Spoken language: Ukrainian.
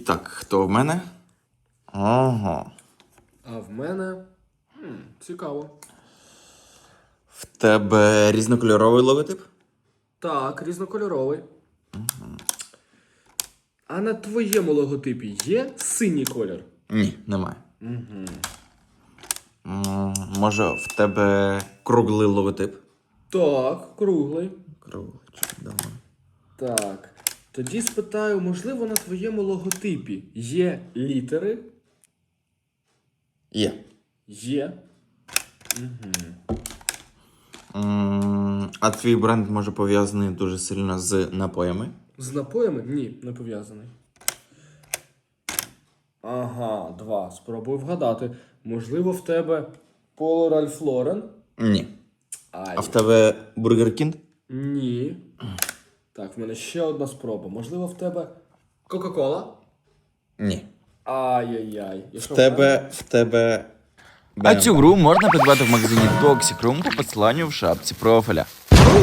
Так, хто в мене? Ага. А в мене... цікаво. В тебе різнокольоровий логотип? Так, різнокольоровий. А на твоєму логотипі є синій колір? Ні, немає. Може, в тебе круглий логотип? Так, круглий. Круглий, чудово. Так. Тоді спитаю, можливо, на твоєму логотипі є літери? Є. Є. А твій бренд може пов'язаний дуже сильно з напоями? З напоями? Ні, не пов'язаний. Ага, 2. Спробую вгадати. Можливо, в тебе Поло Ральф Лорен? Ні. Ай. А в тебе Бургер Кінг? Ні. Так, в мене ще одна спроба. Можливо, в тебе Кока-Кола? Ні. Ай-яй-яй. І що В тебе... А цю гру можна придбати в магазині Toxic Room по посиланню в шапці профіля.